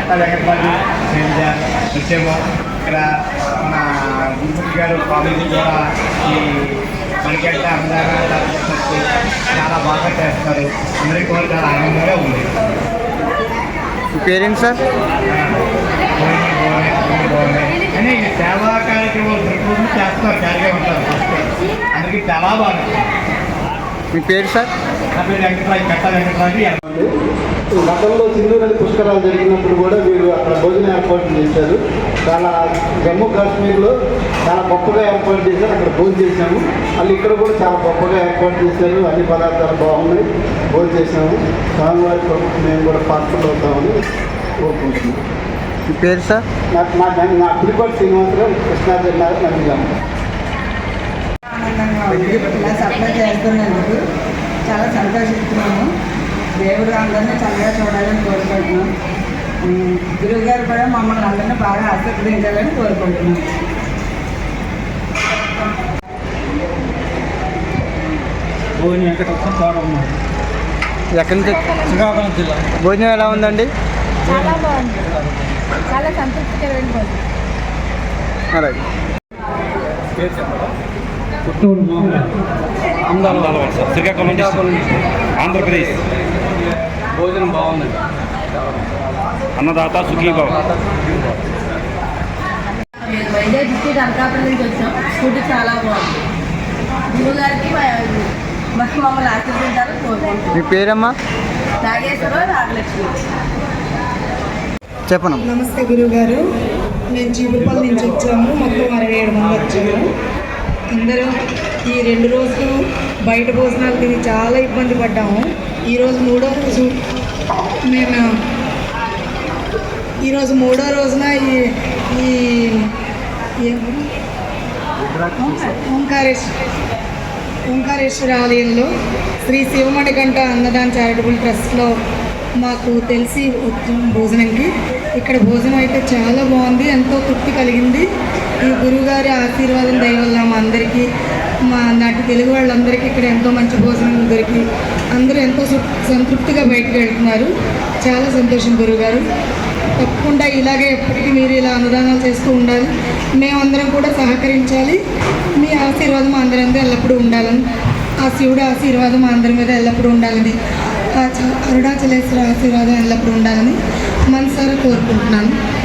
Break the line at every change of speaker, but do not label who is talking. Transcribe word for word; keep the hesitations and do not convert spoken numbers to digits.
కట్ట వెంకటరాజు వచ్చేమో ఇక్కడ మన గుంపూరి గారు కాలేజీ కూడా ఈ మనకంటే అందరూ చాలా బాగా చేస్తారు. అందరికీ కూడా చాలా ఆనందంగా ఉంది.
పేరెంట్స్ సార్
అని సేవా కార్యక్రమాలు ప్రతి చేస్తారు, ఖాళీగా ఉంటారు. అందరికీ చాలా బాగుంటుంది.
మీ పేరు సార్?
నా పేరు వెంకటరాజు, కట్ట వెంకటరాజు.
గతంలో సింధు నది పుష్కరాలు జరిగినప్పుడు కూడా వీరు అక్కడ భోజనం ఏర్పాటు చేశారు. చాలా జమ్మూ కాశ్మీర్లో చాలా గొప్పగా ఏర్పాటు చేశారు. అక్కడ భోజనం చేశాము. మళ్ళీ ఇక్కడ కూడా చాలా గొప్పగా ఏర్పాటు చేశారు. అన్ని పదార్థాలు బాగున్నాయి, భోజనం చేశాము. స్వామివారి ప్రభుత్వం మేము కూడా పాత్రలు అవుతామని కోరుకుంటున్నాం.
మీ పేరు సార్?
నాకు నా నా పులిపాటి శ్రీనివాసరావు, కృష్ణా జిల్లా నందిగామ.
ఆనందంగా ఉంది. ఇలా సప్లై చేస్తున్నందుకు చాలా సంతోషిస్తున్నాము. దేవుడు అందరినీ చల్లగా చూడాలని కోరుకుంటున్నాం. గురువు గారు కూడా మమ్మల్ని అందరినీ బాగా ఆశీర్వదించాలని కోరుకుంటున్నాం.
ఎక్కడి నుంచి?
శ్రీకాకుళం జిల్లా.
భోజనం ఎలా ఉందండి?
చాలా బాగుంది, చాలా సంతృప్తికరమైన భోజనం.
అలాగే
పుత్తూరు
శ్రీకాకుళం ఆంధ్రప్రదేశ్.
భోజనం బాగుంది.
అన్నదాత సుఖీభావ.
వైజాగ్ డిస్ట్రిక్ట్ అనకాపల్లి నుంచి వచ్చాం. ఫుడ్ చాలా బాగుంది. గురువు గారికి మరి మమ్మల్ని ఆశీర్వదించాలని కోరుకుంటున్నాం.
మీ పేరమ్మా?
నాగేశ్వరరావు, నాగలక్ష్మి.
చెప్పను.
నమస్తే గురువు గారు, మేము చీపుపల్లి నుంచి వచ్చాము. మొత్తం అరవై ఏడు మంది వచ్చాము. అందరూ ఈ రెండు రోజులు బయట భోజనాలు తిని చాలా ఇబ్బంది పడ్డాము. ఈరోజు మూడో రోజు మేము ఈరోజు మూడో రోజున ఈ ఈ ఓంకారేశ్వర ఓంకారేశ్వర ఆలయంలో శ్రీ శివమణికంఠ అన్నదాన చారిటబుల్ ట్రస్ట్లో మాకు తెలిసి వచ్చాం భోజనంకి. ఇక్కడ భోజనం అయితే చాలా బాగుంది, ఎంతో తృప్తి కలిగింది. ఈ గురువుగారి ఆశీర్వాదం దయ వల్ల మా అందరికీ, మా నాటి తెలుగు వాళ్ళందరికీ ఇక్కడ ఎంతో మంచి భోజనం దొరికి అందరూ ఎంతో సంతృప్తిగా బయటకు వెళ్తున్నారు. చాలా సంతోషం గురువుగారు. తప్పకుండా ఇలాగే ఎప్పటికీ మీరు ఇలా అన్నదానాలు చేస్తూ ఉండాలి. మేమందరం కూడా సహకరించాలి. మీ ఆశీర్వాదం అందరి మీద ఎల్లప్పుడూ ఉండాలని, ఆ శివుడు ఆశీర్వాదం అందరి మీద ఎల్లప్పుడూ ఉండాలని, ఆ అరుణాచలేశ్వర ఆశీర్వాదం ఎల్లప్పుడూ ఉండాలని మనసారా కోరుకుంటున్నాను.